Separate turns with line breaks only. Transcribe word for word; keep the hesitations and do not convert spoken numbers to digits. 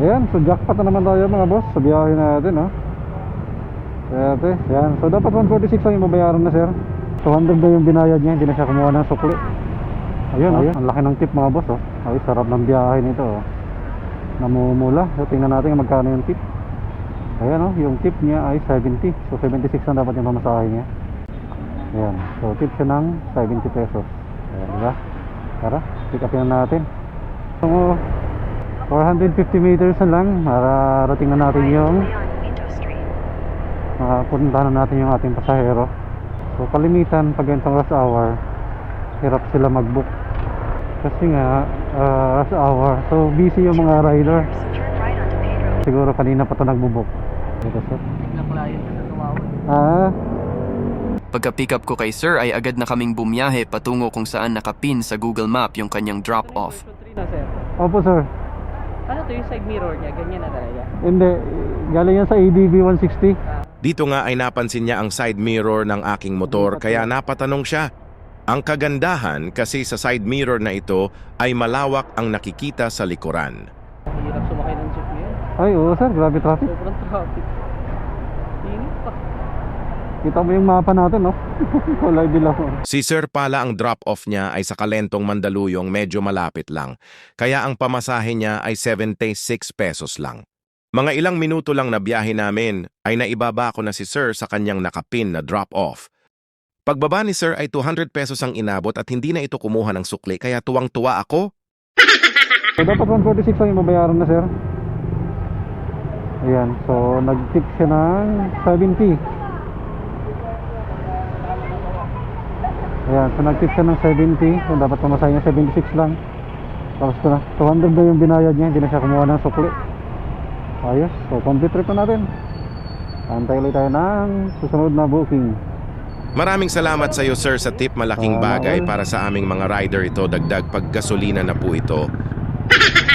Ayan, so jackpot na naman tayo mga boss sa biyahe natin, no? Kaya ate, yan. So dapat one forty-six lang yung babayaran na sir. two hundred na yung binayad niya, hindi na siya kumuha ng sukli. Ayun, ayun. Ang laki ng tip mga boss, oh. Ay, sarap ng biyahe nito, oh. Namumula. So tingnan natin kung magkano yung tip. Ayan, oh, yung tip niya ay seventy. So seventy-six na dapat yung pamasahe niya. Ayan, so tip siya ng seventy pesos. Ayan, diba? Tara, pick up yan natin. So four hundred fifty meters na lang, mararating na natin yung makapunta na natin yung ating pasahero. So kalimitan pag ganitong rush hour, hirap sila mag-book kasi nga uh, rush hour, so busy yung mga rider. Siguro kanina pa ito nagbo-book. Ah,
Pagka-pick up ko kay sir ay agad na kaming bumiyahe patungo kung saan nakapin sa Google Map yung kanyang drop-off.
opo sir.
Ano to yung side mirror niya? Ganyan na talaga?
Hindi, galing yan sa A D B one sixty.
Dito nga ay napansin niya ang side mirror ng aking motor kaya napatanong siya. Ang kagandahan kasi sa side mirror na ito ay malawak ang nakikita sa likuran.
Hirap sumakay ng jeep niya.
Ay oo sir, grabe traffic.
Sobrang traffic. Init pa.
Kita mo yung mapa natin, no? Kulay dilaw.
Si Sir pala ang drop-off niya ay sa Kalentong Mandaluyong, medyo malapit lang. Kaya ang pamasahe niya ay seventy-six pesos lang. Mga ilang minuto lang na biyahe namin ay naibaba ko na si Sir sa kanyang nakapin na drop-off. Pagbaba ni Sir ay two hundred pesos ang inabot at hindi na ito kumuha ng sukli kaya tuwang-tuwa ako.
So dapat one forty-six lang yung babayaran na sir. Ayan, so nag-tip siya ng seventy. Ayan, so nag-tip siya ng seventy. So dapat pamasahe niya seventy-six lang. Tapos na, two hundred na yung binayad niya, hindi na siya kumuha ng sukli. Ayos, so complete trip na natin. Antay ulit tayo ng susunod na booking.
Maraming salamat sa iyo Sir sa tip, malaking bagay para sa aming mga rider ito, dagdag paggasolina na po ito.